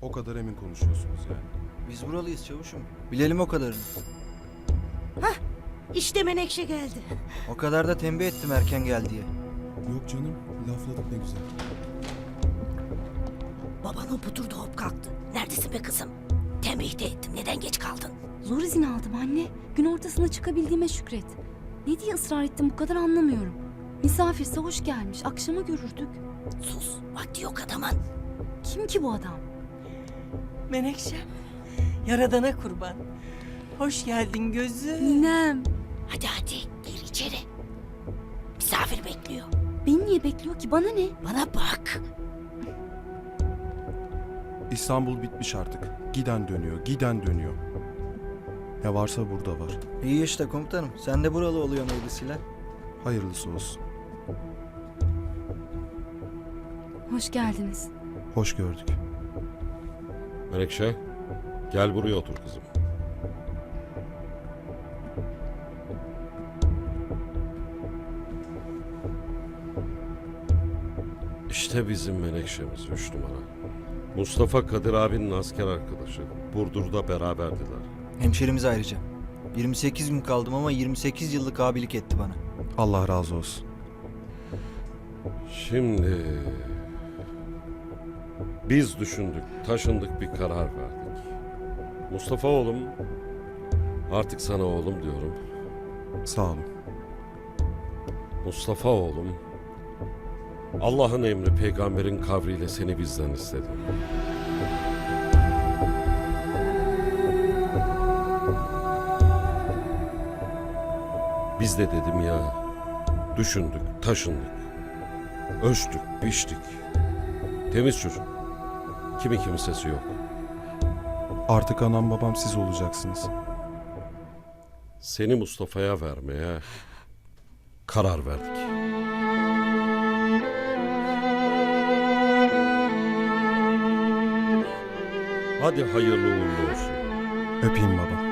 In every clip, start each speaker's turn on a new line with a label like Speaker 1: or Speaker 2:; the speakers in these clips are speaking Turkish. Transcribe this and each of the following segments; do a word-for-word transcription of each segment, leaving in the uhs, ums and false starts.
Speaker 1: O kadar emin konuşuyorsunuz yani.
Speaker 2: Biz buralıyız çavuşum. Bilelim o kadarını.
Speaker 3: İşte Menekşe geldi.
Speaker 2: O kadar da tembih ettim erken gel diye.
Speaker 1: Yok canım, lafladık ne güzel.
Speaker 3: Baban hop oturdu hop kalktı. Neredesin be kızım? Tembih de ettim. Neden geç kaldın?
Speaker 4: Zor izin aldım anne. Gün ortasında çıkabildiğime şükret. Ne diye ısrar ettim bu kadar anlamıyorum. Misafirse hoş gelmiş. Akşama görürdük.
Speaker 3: Sus. Vakti yok adamın.
Speaker 4: Kim ki bu adam?
Speaker 5: Menekşem, Yaradan'a kurban. Hoş geldin gözüm.
Speaker 4: Ninem.
Speaker 3: Hadi hadi gir içeri. Misafir bekliyor.
Speaker 4: Beni niye bekliyor ki? Bana ne?
Speaker 3: Bana bak.
Speaker 1: İstanbul bitmiş artık. Giden dönüyor, giden dönüyor. Ne varsa burada var.
Speaker 2: İyi işte komutanım. Sen de buralı oluyorsun öylesiyle.
Speaker 1: Hayırlısı olsun.
Speaker 4: Hoş geldiniz.
Speaker 1: Hoş gördük.
Speaker 6: Menekşe, gel buraya otur kızım. İşte bizim Menekşe'miz üç numara. Mustafa Kadir abinin asker arkadaşı. Burdur'da beraberdiler.
Speaker 2: Hemşerimiz ayrıca. yirmi sekiz gün kaldım ama yirmi sekiz yıllık abilik etti bana.
Speaker 1: Allah razı olsun.
Speaker 6: Şimdi biz düşündük, taşındık, bir karar verdik. Mustafa oğlum, artık sana oğlum diyorum.
Speaker 1: Sağ olun.
Speaker 6: Mustafa oğlum, Allah'ın emri peygamberin kavriyle seni bizden istedi. Biz de dedim ya, düşündük, taşındık, ölçtük, biçtik. Temiz çocuk, kimi kimsesi yok.
Speaker 1: Artık anam babam siz olacaksınız.
Speaker 6: Seni Mustafa'ya vermeye karar verdik. Hadi hayırlı uğurlu olsun.
Speaker 1: Öpeyim baba.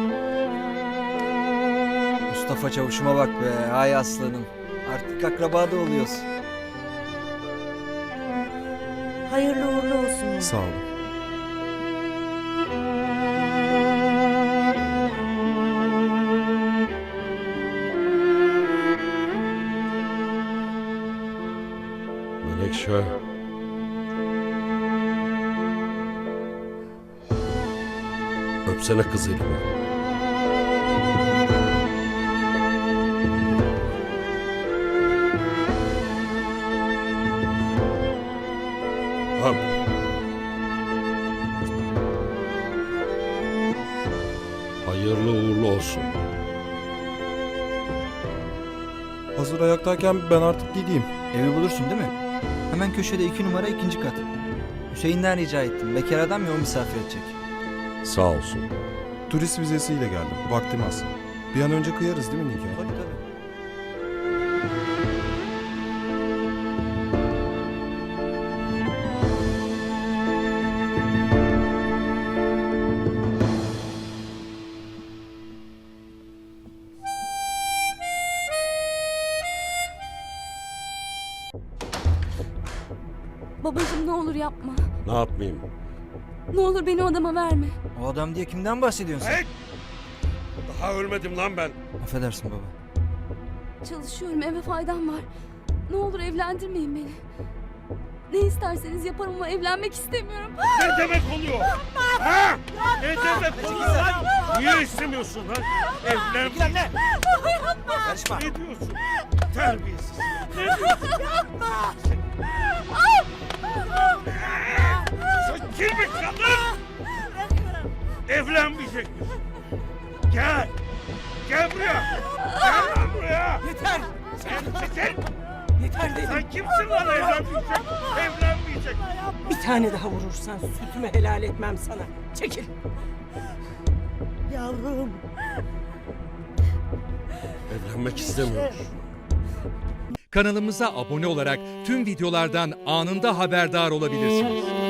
Speaker 2: Mustafa çavuşuma bak be. Ay aslanım. Artık akraba da oluyoruz.
Speaker 3: Hayırlı uğurlu olsun.
Speaker 1: Sağ olun.
Speaker 6: Menekşe. Öpsene kız elimi. Öp. Hayırlı uğurlu olsun.
Speaker 1: Hazır ayaktayken ben artık gideyim.
Speaker 2: Evi bulursun değil mi? Hemen köşede iki numara ikinci kat. Hüseyin'den rica ettim. Bekar adam ya o misafir edecek.
Speaker 6: Sağ olsun.
Speaker 1: Turist vizesiyle geldim. Vaktim az. Bir an önce kıyarız değil mi nikah?
Speaker 2: Tabii tabii.
Speaker 4: Babacığım ne olur yapma.
Speaker 6: Ne yapmayayım?
Speaker 4: Ne olur beni o adama verme.
Speaker 2: O adam diye kimden bahsediyorsun sen?
Speaker 6: Hey! Daha ölmedim lan ben.
Speaker 2: Affedersin baba.
Speaker 4: Çalışıyorum, eve faydam var. Ne olur evlendirmeyin beni. Ne isterseniz yaparım ama evlenmek istemiyorum.
Speaker 6: Ne demek oluyor? Ha? Ne demek oluyor lan? Niye istemiyorsun lan? Evlen. Ne?
Speaker 2: Karışma.
Speaker 6: Ne diyorsun? Terbiyesiz. Ne diyorsun? Yapma. Sen kirpi kadın. Evlenmeyecek misin? Gel. Gel buraya. Gel lan buraya.
Speaker 5: Yeter!
Speaker 6: Sen çekil.
Speaker 5: Yeter dedim.
Speaker 6: Sen kimsin lan evlenmeyecek? Evlenmeyecek.
Speaker 5: Bir tane daha vurursan sütümü helal etmem sana. Çekil. Yavrum.
Speaker 6: Evlenmek istemiyor.
Speaker 7: Kanalımıza abone olarak tüm videolardan anında haberdar olabilirsiniz.